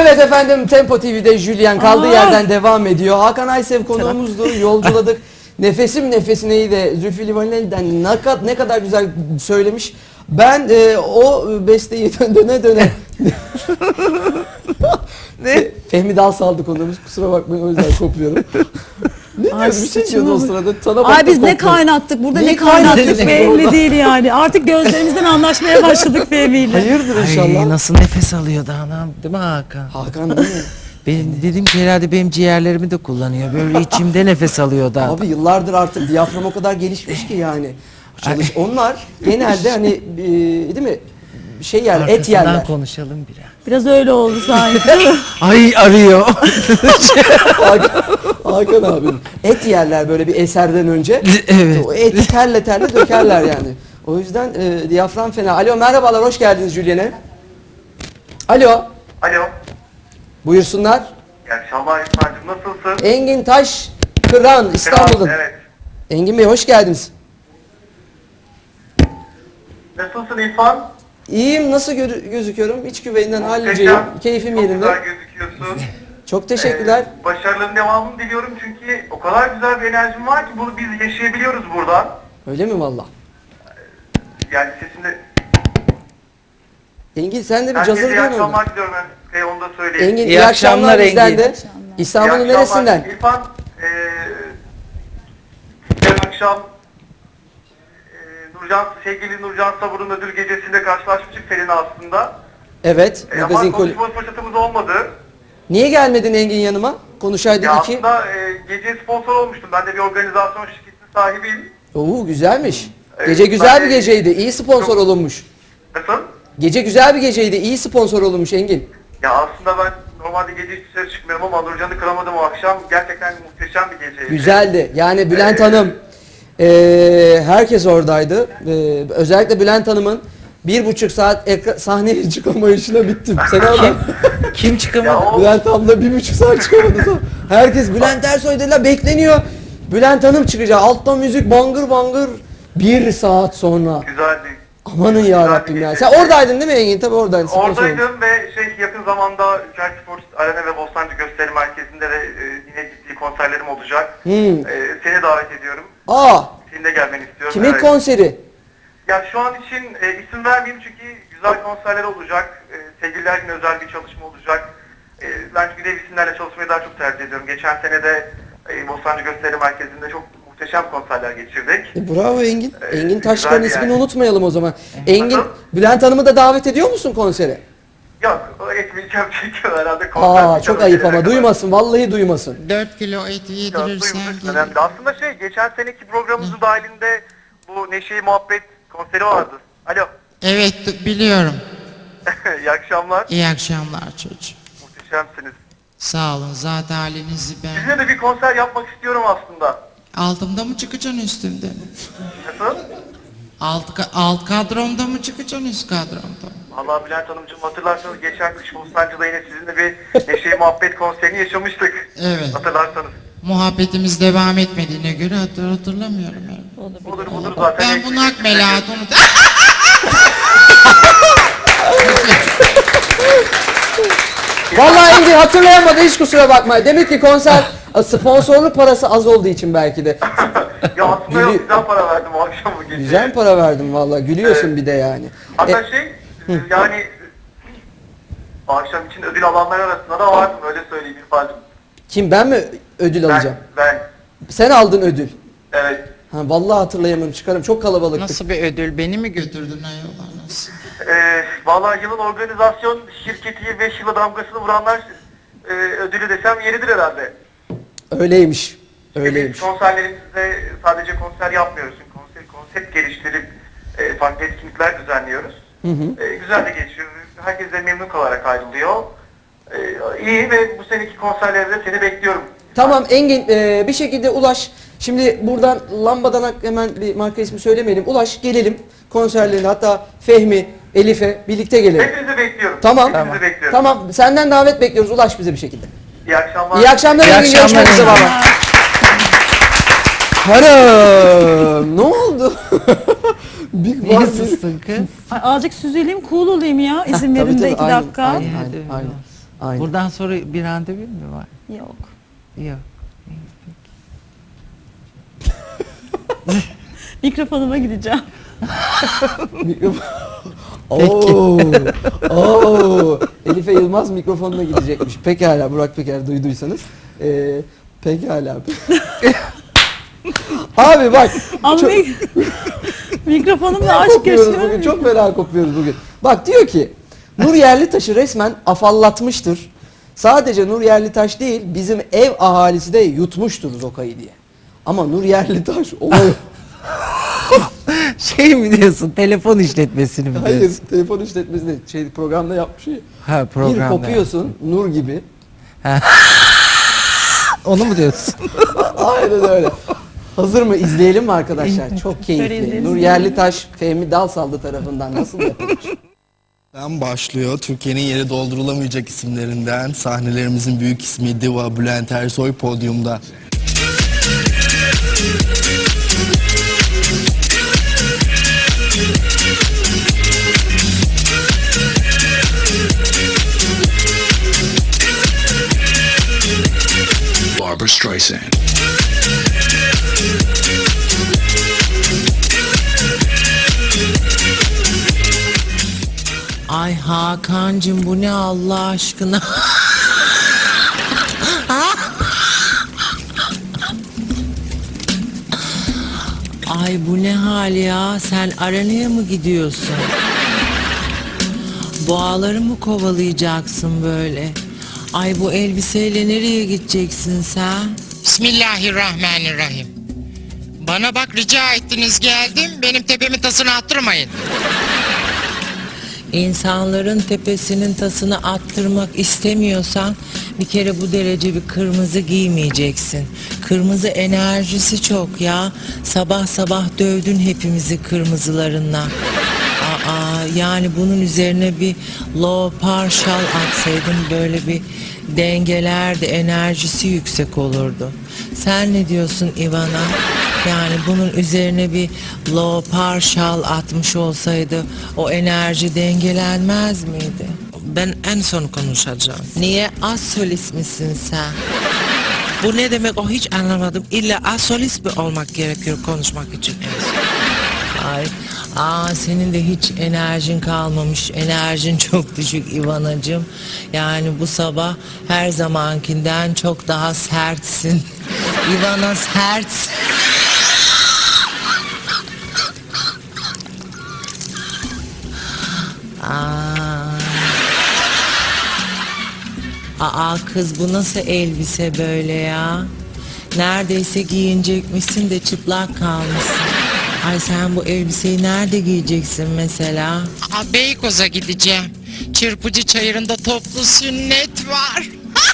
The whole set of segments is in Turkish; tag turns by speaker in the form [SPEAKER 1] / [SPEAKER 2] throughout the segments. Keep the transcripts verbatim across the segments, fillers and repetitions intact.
[SPEAKER 1] Evet efendim, Tempo T V'de Julien kaldığı
[SPEAKER 2] Aa.
[SPEAKER 1] yerden devam ediyor. Hakan Aysev konuğumuzdu. Yolculadık. Nefesim nefesineyi de Zülfü Livaneli'den ne kadar, ne kadar güzel söylemiş. Ben e, o besteyi döne döne ne? Fehmi Dalsal'dı konuğumuz. Kusura bakmayın, o yüzden kopluyorum. Ne
[SPEAKER 2] Ay,
[SPEAKER 1] diyorsun? Bir şey diyordun o sırada. Sana
[SPEAKER 2] Ay biz ne
[SPEAKER 1] koptum.
[SPEAKER 2] kaynattık burada,
[SPEAKER 1] Ne
[SPEAKER 2] ne kaynattık
[SPEAKER 1] kaynattık
[SPEAKER 2] belli
[SPEAKER 1] orada?
[SPEAKER 2] değil yani. Artık gözlerimizden anlaşmaya başladık Fehmi'yle.
[SPEAKER 1] Hayırdır inşallah.
[SPEAKER 3] Ay, nasıl nefes alıyordu anam, değil mi Hakan?
[SPEAKER 1] Hakan değil mi?
[SPEAKER 3] Benim dedim ki herhalde benim ciğerlerimi de kullanıyor. Böyle içimde nefes alıyordu adam.
[SPEAKER 1] Abi yıllardır artık diyafram o kadar gelişmiş ki yani. Çalış, onlar genelde hani e, değil mi? Şey yerler, et
[SPEAKER 3] Arkasından
[SPEAKER 1] yerler.
[SPEAKER 3] konuşalım biraz.
[SPEAKER 2] Biraz öyle oldu sanki.
[SPEAKER 3] Ay arıyor.
[SPEAKER 1] Hakan, Hakan abim. Et yerler böyle bir eserden önce.
[SPEAKER 3] Evet.
[SPEAKER 1] O eti terle terle dökerler yani. O yüzden e, diyafram fena. Alo, merhabalar, hoş geldiniz Julien'e. Alo,
[SPEAKER 4] Alo.
[SPEAKER 1] buyursunlar.
[SPEAKER 4] İyi akşamlar İsmail'cim, nasılsın?
[SPEAKER 1] Engin Taş Kıran, İstanbul'dan.
[SPEAKER 4] Evet.
[SPEAKER 1] Engin Bey hoş geldiniz.
[SPEAKER 4] Nasılsın İrfan?
[SPEAKER 1] İyiyim, nasıl gö- gözüküyorum? İç güveyinden
[SPEAKER 4] Muhteşem.
[SPEAKER 1] halliceyim. Keyfim
[SPEAKER 4] Çok
[SPEAKER 1] yerinde.
[SPEAKER 4] güzel gözüküyorsun.
[SPEAKER 1] Çok teşekkürler.
[SPEAKER 4] Ee, başarıların devamını diliyorum çünkü o kadar güzel bir enerjin var ki bunu biz yaşayabiliyoruz buradan.
[SPEAKER 1] Öyle mi valla?
[SPEAKER 4] Yani sesinde...
[SPEAKER 1] Engin sen de bir
[SPEAKER 4] Herkese
[SPEAKER 1] cazır
[SPEAKER 4] iyi
[SPEAKER 1] dön orada.
[SPEAKER 4] akşamlar diliyorum ben. Şey, onu da söyleyeyim.
[SPEAKER 1] Engin iyi,
[SPEAKER 3] İyi
[SPEAKER 1] akşamlar
[SPEAKER 3] akşamlar
[SPEAKER 1] bizden
[SPEAKER 3] Engin.
[SPEAKER 1] de.
[SPEAKER 4] İyi
[SPEAKER 1] İstanbul'un
[SPEAKER 4] akşamlar.
[SPEAKER 1] neresinden?
[SPEAKER 4] İrfan, ee, yarın akşam ee, Nurcan, sevgili Nurcan Sabur'un ödül gecesinde karşılaşmıştık seninle aslında.
[SPEAKER 1] Evet,
[SPEAKER 4] Ee,
[SPEAKER 1] magazin
[SPEAKER 4] ama
[SPEAKER 1] koli.
[SPEAKER 4] konuşma fırsatımız olmadı.
[SPEAKER 1] Niye gelmedin Engin yanıma? Konuşaydık
[SPEAKER 4] Ya
[SPEAKER 1] iki.
[SPEAKER 4] aslında e, gece sponsor olmuştum. Ben de bir organizasyon şirketinin sahibiyim.
[SPEAKER 1] Oo güzelmiş.
[SPEAKER 4] Evet,
[SPEAKER 1] Gece güzel
[SPEAKER 4] ben
[SPEAKER 1] bir
[SPEAKER 4] de-
[SPEAKER 1] geceydi. İyi sponsor
[SPEAKER 4] Çok-
[SPEAKER 1] olunmuş.
[SPEAKER 4] Nasıl?
[SPEAKER 1] Gece güzel bir geceydi. İyi sponsor olunmuş Engin.
[SPEAKER 4] Ya aslında ben normalde gece hiç dışarı çıkmıyorum ama Nurcan'ı kıramadım o akşam. Gerçekten muhteşem bir geceydi.
[SPEAKER 1] Güzeldi. Yani Bülent
[SPEAKER 4] Ee,
[SPEAKER 1] Hanım, eee, herkes oradaydı. Eee, özellikle Bülent Hanım'ın bir buçuk saat ekra- sahneye çıkamayışına bittim. Sen orada.
[SPEAKER 3] Kim çıkamadı?
[SPEAKER 4] Ya o
[SPEAKER 1] Bülent abla bir buçuk saat çıkamadı. Herkes Bülent Ersoy dediler, bekleniyor. Bülent Hanım çıkacak. Altta müzik bangır bangır. Bir saat sonra.
[SPEAKER 4] güzeldi.
[SPEAKER 1] Amanın ya Rabbim ya. Sen oradaydın değil mi Engin? Tabii oradaydın. sponsor oldun.
[SPEAKER 4] Oradaydım ve şey yakın zamanda Ülker Spor Arena ve Bostancı Gösteri Merkezi'nde de e, yine ciddi konserlerim olacak.
[SPEAKER 1] Hmm.
[SPEAKER 4] E, seni davet ediyorum.
[SPEAKER 1] Aa,
[SPEAKER 4] Senin de gelmeni istiyorum.
[SPEAKER 1] kimin
[SPEAKER 4] Evet.
[SPEAKER 1] konseri?
[SPEAKER 4] Ya şu an için e, isim vermeyeyim çünkü güzel konserler olacak. E, sevgililer günü özel bir çalışma olacak. E, ben çünkü dev isimlerle çalışmayı daha çok tercih ediyorum. Geçen sene de e, Bostancı Gösteri Merkezi'nde çok muhteşem konserler geçirdik.
[SPEAKER 1] E, bravo Engin.
[SPEAKER 4] Ee,
[SPEAKER 1] Engin Taşkar'ın
[SPEAKER 4] güzeldi
[SPEAKER 1] ismini
[SPEAKER 4] yani.
[SPEAKER 1] unutmayalım o zaman. Engin,
[SPEAKER 4] Nasıl?
[SPEAKER 1] Bülent Hanım'ı da davet ediyor musun konsere?
[SPEAKER 4] Yok, o etmeyeceğim çünkü herhalde konser.
[SPEAKER 1] Aa,
[SPEAKER 4] bir
[SPEAKER 1] çok
[SPEAKER 4] kere
[SPEAKER 1] ayıp
[SPEAKER 4] gelene
[SPEAKER 1] ama
[SPEAKER 4] kadar.
[SPEAKER 1] duymasın. Vallahi duymasın.
[SPEAKER 3] dört kilo et
[SPEAKER 4] Ya,
[SPEAKER 3] yedirirsen
[SPEAKER 4] duyması
[SPEAKER 3] gelir.
[SPEAKER 4] önemli. Aslında şey, geçen seneki programımızın dahilinde bu Neşe'yi Muhabbet konseri vardı. Alo,
[SPEAKER 3] Evet biliyorum.
[SPEAKER 4] iyi akşamlar.
[SPEAKER 3] İyi akşamlar çocuğum.
[SPEAKER 4] Muhteşemsiniz.
[SPEAKER 3] Sağ olun, zaten halinizi ben.
[SPEAKER 4] Sizinle de bir konser yapmak istiyorum aslında.
[SPEAKER 3] Altımda mı çıkacaksın üstümde mi?
[SPEAKER 4] Nasıl?
[SPEAKER 3] Alt, ka- alt kadromda mı çıkacaksın üst kadromda mı?
[SPEAKER 4] Vallahi Bülent Hanımcığım, hatırlarsanız geçen kış Bostancı'da yine sizinle bir Neşe'yi Muhabbet konserini yaşamıştık.
[SPEAKER 3] Evet.
[SPEAKER 4] Hatırlarsanız.
[SPEAKER 3] Muhabbetimiz devam etmediğine göre hatır, hatırlamıyorum. Yani.
[SPEAKER 4] Budur budur zaten.
[SPEAKER 3] Ben bunu hak melahat unut.
[SPEAKER 1] Vallahi Engin hatırlayamadı, hiç kusura bakma. Demek ki konser sponsorluk parası az olduğu için belki de.
[SPEAKER 4] Ya aslında yok,
[SPEAKER 1] Gülü-
[SPEAKER 4] güzel para verdim o akşam bu gece.
[SPEAKER 1] Güzel para verdim vallahi. Gülüyorsun
[SPEAKER 4] Evet.
[SPEAKER 1] bir de yani.
[SPEAKER 4] Hatta
[SPEAKER 1] E,
[SPEAKER 4] şey, yani o akşam için ödül alanlar arasında da vardım, öyle söyleyeyim İrfan'cığım.
[SPEAKER 1] kim, ben mi ödül
[SPEAKER 4] Ben,
[SPEAKER 1] alacağım?
[SPEAKER 4] ben,
[SPEAKER 1] Sen aldın ödül.
[SPEAKER 4] evet.
[SPEAKER 1] Ha, vallahi hatırlayamıyorum, çıkarım. Çok kalabalıktık.
[SPEAKER 3] Nasıl bir ödül? Beni mi götürdün ayol nasıl?
[SPEAKER 4] Ee, vallahi yılın organizasyon şirketi beş yıla damgasını vuranlar e, ödülü desem yeridir herhalde.
[SPEAKER 1] Öyleymiş.
[SPEAKER 4] Çünkü
[SPEAKER 1] Öyleymiş.
[SPEAKER 4] Biz konserlerimizde sadece konser yapmıyoruz. Konser, konsept geliştirip e, farklı etkinlikler düzenliyoruz.
[SPEAKER 1] Hı hı.
[SPEAKER 4] E, güzel de geçiyor. Herkes de memnun kalarak ayrılıyor. E, iyi ve bu seneki konserlerde seni bekliyorum.
[SPEAKER 1] Tamam Engin, e, bir şekilde ulaş. Şimdi buradan lambadan hemen bir marka ismi söylemeyelim. Ulaş, gelelim konserlerine, hatta Fehmi, Elif'e birlikte gelelim.
[SPEAKER 4] Hepinizi bekliyorum.
[SPEAKER 1] Tamam.
[SPEAKER 4] Hepinizi bekliyorum.
[SPEAKER 1] Tamam. Senden davet bekliyoruz. Ulaş bize bir şekilde.
[SPEAKER 4] İyi akşamlar.
[SPEAKER 1] İyi akşamlar
[SPEAKER 3] İyi
[SPEAKER 1] Engin.
[SPEAKER 3] akşamlar
[SPEAKER 1] Görüşmek üzere
[SPEAKER 3] Engin.
[SPEAKER 1] baba. Hanım, ne oldu? bir
[SPEAKER 3] Niye
[SPEAKER 1] var
[SPEAKER 3] sussun kız?
[SPEAKER 2] Ay, azıcık süzüleyim, cool olayım ya. İzin
[SPEAKER 1] Tabii,
[SPEAKER 2] verin de
[SPEAKER 1] tabii,
[SPEAKER 2] iki
[SPEAKER 1] aynen,
[SPEAKER 2] dakika.
[SPEAKER 1] Aynen,
[SPEAKER 3] Hadi
[SPEAKER 1] aynen, aynen. Aynen.
[SPEAKER 3] Buradan sonra bir randevun mu var?
[SPEAKER 2] Yok.
[SPEAKER 3] Yok.
[SPEAKER 2] Mikrofonuma gideceğim.
[SPEAKER 1] Mikrofon. Oo, oo. Elife Yılmaz mikrofonuna gidecekmiş. Pekala Burak Peker duyduysanız. Ee, pekala. Abi bak.
[SPEAKER 2] Ama
[SPEAKER 1] çok,
[SPEAKER 2] mik- mikrofonumla
[SPEAKER 1] fena
[SPEAKER 2] aşk
[SPEAKER 1] kopuyoruz
[SPEAKER 2] yaşıyorum.
[SPEAKER 1] bugün. Çok fena kopuyoruz bugün. Bak diyor ki Nur Yerlitaş'ı resmen afallatmıştır. Sadece Nur Yerlitaş değil bizim ev ahalisi de yutmuştur Zoka'yı diye. Ama Nur Yerlitaş olay.
[SPEAKER 3] Şey mi diyorsun? Telefon işletmesini mi
[SPEAKER 1] Hayır,
[SPEAKER 3] diyorsun?
[SPEAKER 1] telefon işletmesinde şey programda yapmış şey.
[SPEAKER 3] Ha,
[SPEAKER 1] Bir
[SPEAKER 3] programda.
[SPEAKER 1] kopuyorsun Nur gibi.
[SPEAKER 3] Onu mu diyorsun?
[SPEAKER 1] Aynen öyle. Hazır mı? İzleyelim mi arkadaşlar? Çok
[SPEAKER 2] Şöyle
[SPEAKER 1] keyifli.
[SPEAKER 2] izleyelim.
[SPEAKER 1] Nur Yerlitaş, Fehmi Dalsallı tarafından nasıl yapılmış?
[SPEAKER 5] Ben başlıyor. Türkiye'nin yeri doldurulamayacak isimlerinden sahnelerimizin büyük ismi Diva Bülent Ersoy podyumda.
[SPEAKER 6] Barbra Streisand.
[SPEAKER 3] Ay Hakan'cığım bu ne Allah aşkına? Ay bu ne hal ya? Sen arenaya mı gidiyorsun? Boğaları mı kovalayacaksın böyle? Ay bu elbiseyle nereye gideceksin sen?
[SPEAKER 7] Bismillahirrahmanirrahim. Bana bak rica ettiniz geldim. Benim tepemin tasını attırmayın.
[SPEAKER 3] İnsanların tepesinin tasını attırmak istemiyorsan bir kere bu derece bir kırmızı giymeyeceksin. Kırmızı enerjisi çok ya. Sabah sabah dövdün hepimizi kırmızılarınla. Aa, yani bunun üzerine bir low partial atsaydın böyle bir dengelerdi, enerjisi yüksek olurdu. Sen ne diyorsun Ivana? Yani bunun üzerine bir low partial atmış olsaydı o enerji dengelenmez miydi?
[SPEAKER 7] Ben en son konuşacağım.
[SPEAKER 3] Niye az solist misin sen?
[SPEAKER 7] Bu ne demek o hiç anlamadım. İlla asolist mi olmak gerekiyor konuşmak için?
[SPEAKER 3] Ay, aa senin de hiç enerjin kalmamış. Enerjin çok düşük İvanacığım. Yani bu sabah her zamankinden çok daha sertsin. İvana sert. Aa. Aa kız bu nasıl elbise böyle ya? Neredeyse giyinecekmişsin de çıplak kalmışsın. Ay sen bu elbiseyi nerede giyeceksin mesela?
[SPEAKER 7] Aa, Beykoz'a gideceğim. Çırpıcı Çayırı'nda toplu sünnet var.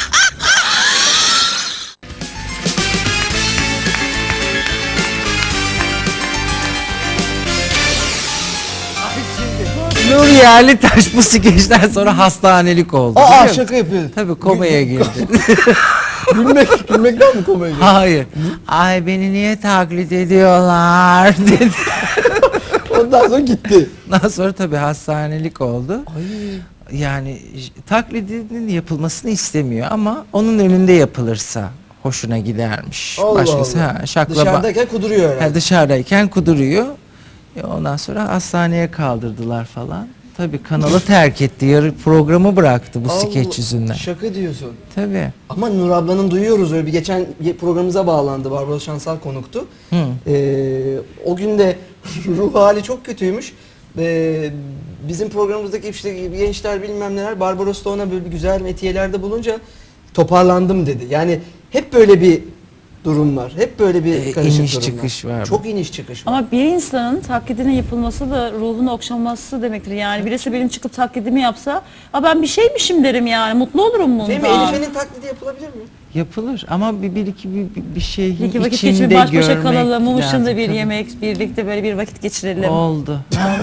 [SPEAKER 3] Nur Yerlitaş bu skeçten sonra hastanelik oldu.
[SPEAKER 1] Aa
[SPEAKER 3] biliyor musun?
[SPEAKER 1] şaka yapıyor.
[SPEAKER 3] Tabii komaya girdi.
[SPEAKER 1] Gülmek, gülmekten mi komaya girdi?
[SPEAKER 3] Hayır. Ay beni niye taklit ediyorlar dedi.
[SPEAKER 1] Ondan sonra gitti.
[SPEAKER 3] Ondan sonra tabii hastanelik oldu. Yani j- taklidinin yapılmasını istemiyor ama onun önünde yapılırsa hoşuna gidermiş.
[SPEAKER 1] Allah
[SPEAKER 3] Başkası
[SPEAKER 1] Allah.
[SPEAKER 3] ha şaklaba.
[SPEAKER 1] Dışarıdayken kuduruyor herhalde.
[SPEAKER 3] Ha, dışarıdayken kuduruyor. E, ondan sonra hastaneye kaldırdılar falan. Tabii kanalı terk etti. Yarı programı bıraktı bu
[SPEAKER 1] Allah,
[SPEAKER 3] skeç yüzünden.
[SPEAKER 1] Şaka diyorsun.
[SPEAKER 3] Tabii.
[SPEAKER 1] Ama Nur ablanın duyuyoruz öyle bir geçen ye- programımıza bağlandı. Barbaros Şansal konuktu.
[SPEAKER 3] Hı.
[SPEAKER 1] Ee, o gün de ruh hali çok kötüymüş. Ee, bizim programımızdaki işte gençler bilmem neler Barbaros da ona böyle bir güzel metiyelerde bulunca toparlandım dedi. Yani hep böyle bir durum var. Hep böyle bir
[SPEAKER 3] Ee,
[SPEAKER 1] karışık
[SPEAKER 3] iniş
[SPEAKER 1] durum
[SPEAKER 3] çıkış var.
[SPEAKER 1] Çok iniş çıkış var.
[SPEAKER 2] Ama bir insanın taklidine yapılması da ruhunu okşaması demektir. Yani birisi benim çıkıp taklidimi yapsa, "Aa, ben bir şeymişim" derim yani. Mutlu olurum bundan.
[SPEAKER 1] Değil mi? Elife'nin taklidi yapılabilir mi?
[SPEAKER 3] Yapılır ama bir, bir iki bir, bir- bir şeyin
[SPEAKER 2] Bir iki vakit
[SPEAKER 3] içinde
[SPEAKER 2] geçirip baş başa
[SPEAKER 3] görmek
[SPEAKER 2] kalalım, mum ışığında
[SPEAKER 3] lazım.
[SPEAKER 2] bir
[SPEAKER 3] Tabii.
[SPEAKER 2] yemek, birlikte böyle bir vakit geçirelim.
[SPEAKER 3] Oldu.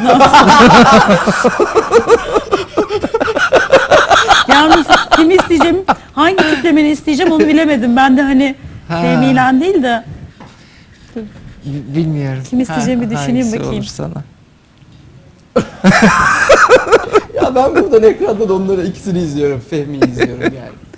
[SPEAKER 2] Yalnız kimi isteyeceğim, hangi tiplemeni isteyeceğim onu bilemedim. Ben de hani
[SPEAKER 3] Ha.
[SPEAKER 2] Fehmi'yle değil de
[SPEAKER 3] B- Bilmiyorum.
[SPEAKER 2] Kim isteyeceğimi
[SPEAKER 3] Ha,
[SPEAKER 2] düşüneyim
[SPEAKER 3] hangisi
[SPEAKER 2] bakayım.
[SPEAKER 3] olur sana.
[SPEAKER 1] ben buradan ekranda da onları ikisini izliyorum. Fehmi'yi izliyorum yani.